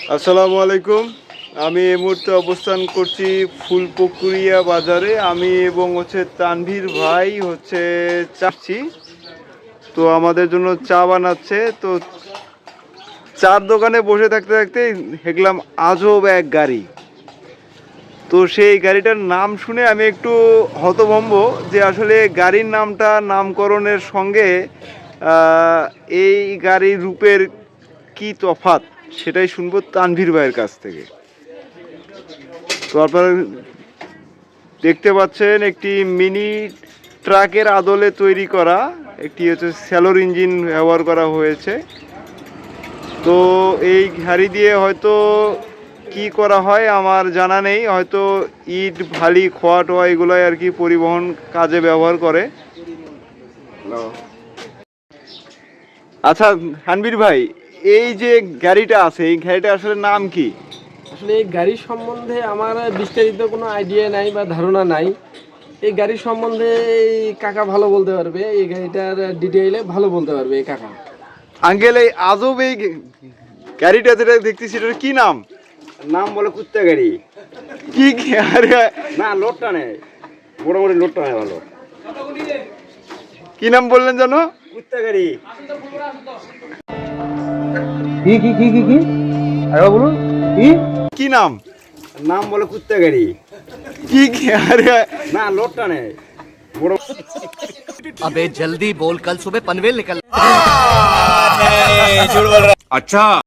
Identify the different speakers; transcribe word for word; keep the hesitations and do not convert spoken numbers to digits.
Speaker 1: আসসালামু আলাইকুম। আমি এই মুহূর্তে অবস্থান করছি ফুলপুকুরিয়া বাজারে। আমি এবং হচ্ছে তানভীর ভাই হচ্ছে চাচ্ছি, তো আমাদের জন্য চা বানাচ্ছে। তো চার দোকানে বসে থাকতে থাকতে দেখলাম আজব এক গাড়ি। তো সেই গাড়িটার নাম শুনে আমি একটু হতভম্ব যে আসলে গাড়ির নামটা নামকরণের সঙ্গে আহ, এই গাড়ির রূপের কি তফাৎ সেটাই শুনবো তানভীর ভাইয়ের কাছ থেকে। তো আপনারা দেখতে পাচ্ছেন একটি মিনি ট্রাকের আদলে তৈরি করা একটি হচ্ছে স্যালোর ইঞ্জিন ব্যবহার করা হয়েছে। তো এই গাড়ি দিয়ে হয়তো কি করা হয় আমার জানা নেই, হয়তো ইট ভালি খোয়া টোয়া এগুলোই আর কি পরিবহন কাজে ব্যবহার করে। আচ্ছা হানবীর ভাই, এই যে গাড়িটা আছে এই গাড়িটা আসলে নাম কি?
Speaker 2: আসলে এই গাড়ির সম্বন্ধে আমার বিস্তারিত কোনো আইডিয়া নাই বা ধারণা নাই। এই গাড়ির সম্বন্ধে এই কাকা ভালো বলতে পারবে, এই গাড়িটার ডিটেইলে ভালো বলতে পারবে এই কাকা।
Speaker 1: আঙ্কেল, এই আজব এই গাড়িটা যেটা দেখতেছি এটার কি নাম?
Speaker 3: নাম বলে কুত্তা গাড়ি।
Speaker 1: কি কি আরে
Speaker 3: না, লোড টানে, মোটামুটি লোড টানে ভালো।
Speaker 1: কি নাম বললেন জানো?
Speaker 3: কুত্তা গাড়ি।
Speaker 2: কি কি কি কি কি আরে বলুন কি
Speaker 1: কি নাম?
Speaker 3: নাম বলে কুত্তা গাড়ি।
Speaker 1: কি কি আরে
Speaker 3: না, লোড টানে।
Speaker 4: अबे जल्दी बोल, कल सुबह पनवेल निकल।
Speaker 5: अच्छा।